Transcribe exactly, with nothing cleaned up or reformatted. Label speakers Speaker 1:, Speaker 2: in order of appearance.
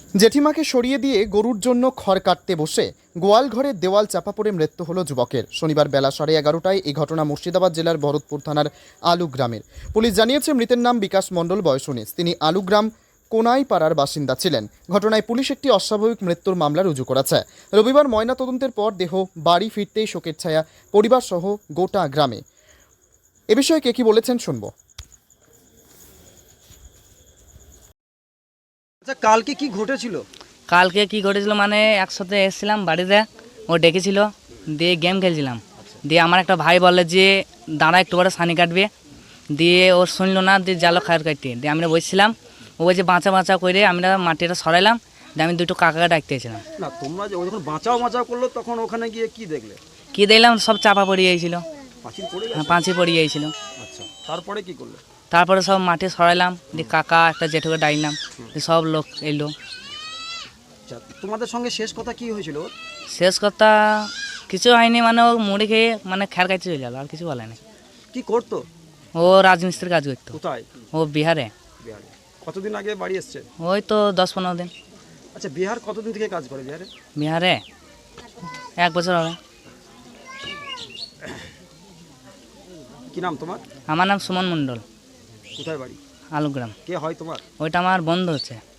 Speaker 1: জেঠিমাকে সরিয়ে দিয়ে গরুর জন্য খড় কাটতে বসে গোয়াল ঘরের দেওয়াল চাপা পড়ে মৃত্যু হলো যুবকের। শনিবার বেলা সাড়ে এগারোটায় এই ঘটনা মুর্শিদাবাদ জেলার ভরতপুর থানার আলু গ্রামের। পুলিশ জানিয়েছে মৃতের নাম বিকাশ মণ্ডল, বয়স উনিশ। তিনি আলু গ্রাম কোনাইপাড়ার বাসিন্দা ছিলেন। ঘটনায় পুলিশ একটি অস্বাভাবিক মৃত্যুর মামলা রুজু করেছে। রবিবার ময়নাতদন্তের পর দেহ বাড়ি ফিরতেই শোকের ছায়া পরিবার সহ গোটা গ্রামে। এ বিষয়ে কে কি বলেছেন শুনবো।
Speaker 2: আচ্ছা, কালকে কি ঘটেছিল?
Speaker 3: কালকে কি ঘটেছিল মানে একসাথে এসেছিলাম বাড়িতে, ও ডেকেছিল, দিয়ে গেম খেলছিলাম। দিয়ে আমার একটা ভাই বলে যে দাঁড়া একটু করে সানি কাটবে, দিয়ে ও শুনলো না, দিয়ে জালো খায়ের কাটতে দিয়ে আমরা বসছিলাম। ও বলছে বাঁচা বাঁচা করে আমরা মাটিটা সরাইলাম, দিয়ে আমি দুটো কাকাকে ডাকতে এসেছিলাম।
Speaker 2: না, তোমরা যে ও যখন বাঁচাও বাঁচাও করলো তখন ওখানে গিয়ে কি দেখলে?
Speaker 3: কী দেখলাম, সব চাপা পড়ে গিয়েছিল,
Speaker 2: পাঁচিল পড়ে
Speaker 3: হ্যাঁ
Speaker 2: গেছে?
Speaker 3: পাঁচি পড়ে গিয়েছিল।
Speaker 2: আচ্ছা, তারপরে কি করলে?
Speaker 3: তারপরে সব মাটি সরাইলাম, দিয়ে কাকা একটা জেঠুকে ডাকলাম, দিয়ে সব লোক এলো।
Speaker 2: আচ্ছা, তোমাদের সঙ্গে শেষ কথা কি হয়েছিল ওর?
Speaker 3: শেষ কথা কিছু হয়নি, মানে ও মুড়ি খেয়ে মানে খ্যার খাইতে চলে গেল, আর কিছু বলেনি।
Speaker 2: কি করতো?
Speaker 3: ও রাজমিস্ত্রির কাজ করতো।
Speaker 2: কোথায়?
Speaker 3: ও বিহারে।
Speaker 2: বিহারে। কতদিন আগে বাড়ি এসছে?
Speaker 3: ওই তো দশ পনেরো দিন।
Speaker 2: আচ্ছা, বিহার কতদিন থেকে কাজ করে বিহারে?
Speaker 3: বিহারে এক বছর হবে।
Speaker 2: কি নাম তোমার?
Speaker 3: আমার নাম সুমন মণ্ডল,
Speaker 1: কোথায় বাড়ি?
Speaker 3: আলুগ্রাম।
Speaker 1: কে হয় তোমার?
Speaker 3: ওইটা আমার বন্ধু হচ্ছে।